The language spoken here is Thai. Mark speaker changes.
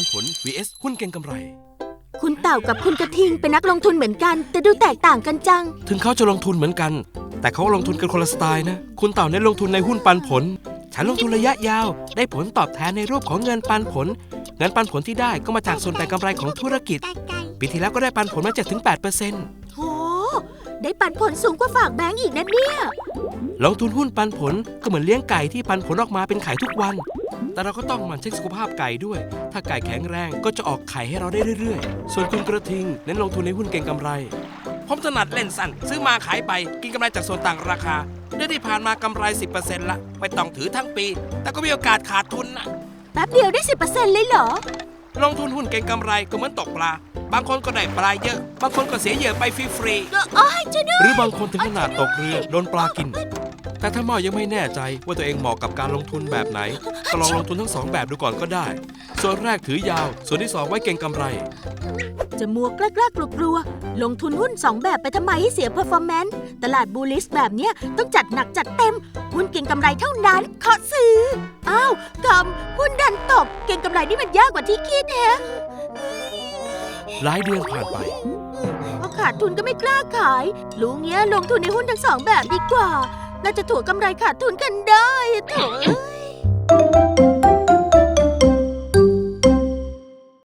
Speaker 1: ผล vs หุ้นเก็งกำไร
Speaker 2: คุณเต่ากับคุณกระทิงเป็นนักลงทุนเหมือนกันแต่ดูแตกต่างกันจัง
Speaker 1: ถึงเขาจะลงทุนเหมือนกันแต่เขาลงทุนกันคนละสไตล์นะคุณเต่าเน้นลงทุนในหุ้นปันผลฉันลงทุนระยะยาวได้ผลตอบแทนในรูปของเงินปันผลเงินปันผลที่ได้ก็มาจากส่วนแบ่งกำไรของธุรกิจปีที่แล้วก็ได้ปันผลมา7-8%
Speaker 2: โหได้ปันผลสูงกว่าฝากแบงก์อีกนะเนี่ย
Speaker 1: ลงทุนหุ้นปันผลก็เหมือนเลี้ยงไก่ที่ปันผลออกมาเป็นไข่ทุกวันแต่เราก็ต้องหมั่นเช็คสุขภาพไก่ด้วยถ้าไก่แข็งแรงก็จะออกไข่ให้เราได้เรื่อยๆส่วนคุณกระทิงเน้นลงทุนในหุ้นเก็งกำไรผมถนัดเล่นสั้นซื้อมาขายไปกินกำไรจากส่วนต่างราคาเดือนที่ผ่านมากำไร 10% ละไม่ต้องถือทั้งปีแต่ก็มีโอกาสขาดทุนนะ
Speaker 2: แป๊บเดียวได้ 10% เลยเหรอ
Speaker 1: ลงทุนหุ้นเก็งกำไรก็เหมือนตกปลาบางคนก็ได้ปลาเยอะบางคนก็เสียเหยื่อไปฟรีๆหรือบางคนถึงขนาดตกเรือโดนปลากินแต่ถ้าเมายังไม่แน่ใจว่าตัวเองเหมาะกับการลงทุนแบบไหนก็ลองลงทุนทั้ง2แบบดูก่อนก็ได้ส่วนแรกถือยาวส่วนที่2ไว้เก็งกำไร
Speaker 2: จะมัวกล้ากลัวลงทุนหุ้น2แบบไปทำไมให้เสียเพอร์ฟอร์แมนซ์ตลาดบูลลิชแบบเนี้ยต้องจัดหนักจัดเต็มหุ้นเก็งกำไรเท่านั้นขอซื้ออ้าวกำหุ้นดันตกเก็งกำไรนี่มันยากกว่าที่คิดแฮะ
Speaker 1: หลายเดือนผ่านไป
Speaker 2: พอขาดทุนก็ไม่กล้าขายรู้เงี้ยลงทุนในหุ้นทั้ง2แบบดีกว่าน่าจะถั่วกำไรขาดทุนกันได้โถ่